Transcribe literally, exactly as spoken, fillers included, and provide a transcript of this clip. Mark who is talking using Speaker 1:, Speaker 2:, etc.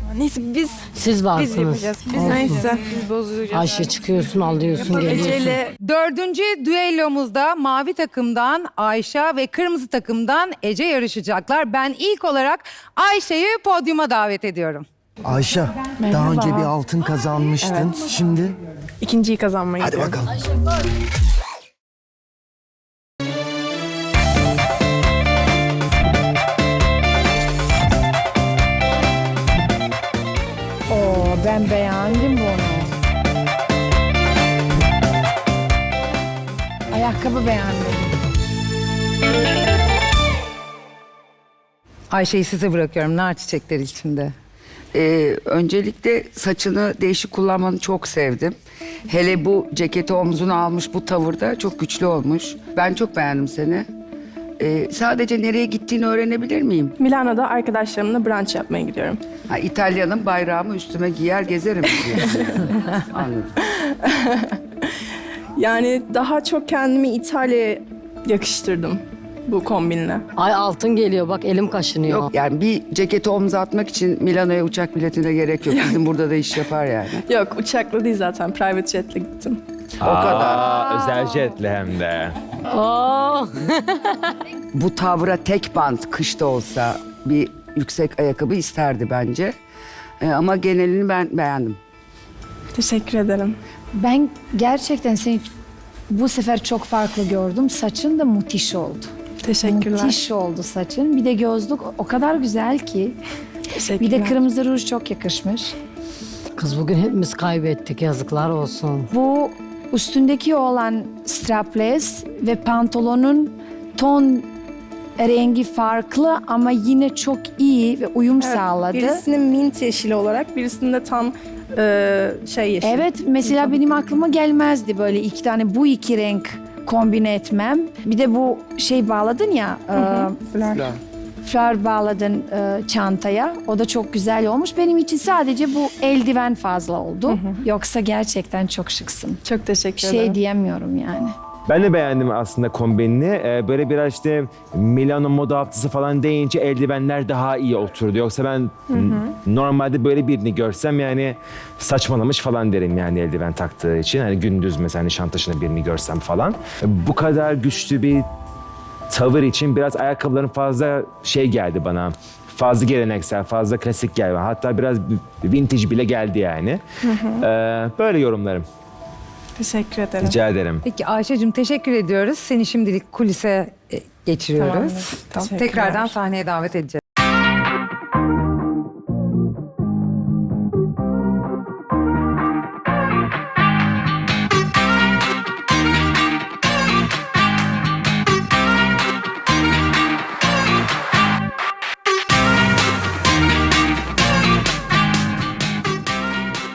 Speaker 1: Neyse biz
Speaker 2: Siz
Speaker 1: biz
Speaker 2: varsınız.
Speaker 1: yapacağız. Biz
Speaker 2: Olsun.
Speaker 1: neyse. Biz bozacağız.
Speaker 2: Ayşe çıkıyorsun, alıyorsun, geliyorsun.
Speaker 1: Ece'yle
Speaker 3: Dördüncü düellomuzda mavi takımdan Ayşe ve kırmızı takımdan Ece yarışacaklar. Ben ilk olarak Ayşe'yi podyuma davet ediyorum.
Speaker 4: Ayşe, daha önce bir altın kazanmıştın. Şimdi
Speaker 1: ikinciyi kazanmayı
Speaker 4: hadi bakalım.
Speaker 5: Oo, ben beğendim bunu. Ayakkabı beğenmedim.
Speaker 3: Ayşe'yi size bırakıyorum nar çiçekleri içinde.
Speaker 6: Ee, öncelikle saçını değişik kullanmanı çok sevdim. Hele bu ceketi omzuna almış bu tavırda çok güçlü olmuş. Ben çok beğendim seni. Ee, sadece nereye gittiğini öğrenebilir miyim?
Speaker 1: Milano'da arkadaşlarımla brunch yapmaya gidiyorum.
Speaker 6: Ha, İtalya'nın bayrağımı üstüme giyer gezerim diyorsun. Anladım.
Speaker 1: Yani daha çok kendimi İtalya'ya yakıştırdım bu kombinle.
Speaker 2: Ay altın geliyor bak elim kaşınıyor.
Speaker 6: Yok yani bir ceketi omza atmak için Milano'ya uçak biletine gerek yok. Bizim burada da iş yapar yani.
Speaker 1: Yok uçakla değil zaten private jetle gittim.
Speaker 6: O kadar.
Speaker 7: Aa, özel jetle hem de.
Speaker 2: Aa,
Speaker 6: Bu tavra tek bant kışta olsa bir yüksek ayakkabı isterdi bence. Ee, ama genelini ben beğendim.
Speaker 1: Teşekkür ederim.
Speaker 5: Ben gerçekten seni bu sefer çok farklı gördüm. Saçın da müthiş oldu.
Speaker 1: Teşekkürler.
Speaker 5: Müthiş oldu saçın. Bir de gözlük o kadar güzel ki.
Speaker 1: Teşekkürler.
Speaker 5: Bir de kırmızı ruj çok yakışmış.
Speaker 2: kız bugün hepimiz kaybettik yazıklar olsun.
Speaker 5: Bu üstündeki olan strapless ve pantolonun ton rengi farklı ama yine çok iyi ve uyum sağladı.
Speaker 1: Birisinin mint yeşili olarak, birisinde tam e, şey yeşil.
Speaker 5: Evet, mesela benim aklıma gelmezdi böyle iki tane bu iki renk kombine etmem. Bir de bu şey bağladın ya,
Speaker 1: Flör.
Speaker 5: e, flör bağladın e, çantaya. O da çok güzel olmuş. Benim için sadece bu eldiven fazla oldu. Yoksa gerçekten çok şıksın.
Speaker 1: Çok teşekkür
Speaker 5: Bir
Speaker 1: ederim.
Speaker 5: şey diyemiyorum yani.
Speaker 7: Ben de beğendim aslında kombinini. Ee, böyle biraz işte Milano moda haftası falan deyince eldivenler daha iyi oturdu. Yoksa ben n- normalde böyle birini görsem yani saçmalamış falan derim yani eldiven taktığı için. Hani gündüz mesela Nişantaşı'nda birini görsem falan. Bu kadar güçlü bir tavır için biraz ayakkabıların fazla şey geldi bana. Fazla geleneksel, fazla klasik geldi. Hatta biraz vintage bile geldi yani. Ee, böyle yorumlarım.
Speaker 1: Teşekkür ederim.
Speaker 7: Rica ederim.
Speaker 3: Peki Ayşe'cim teşekkür ediyoruz. Seni şimdilik kulise e, geçiriyoruz.
Speaker 1: Tamamdır. Teşekkürler.
Speaker 3: Tekrardan sahneye davet edeceğiz.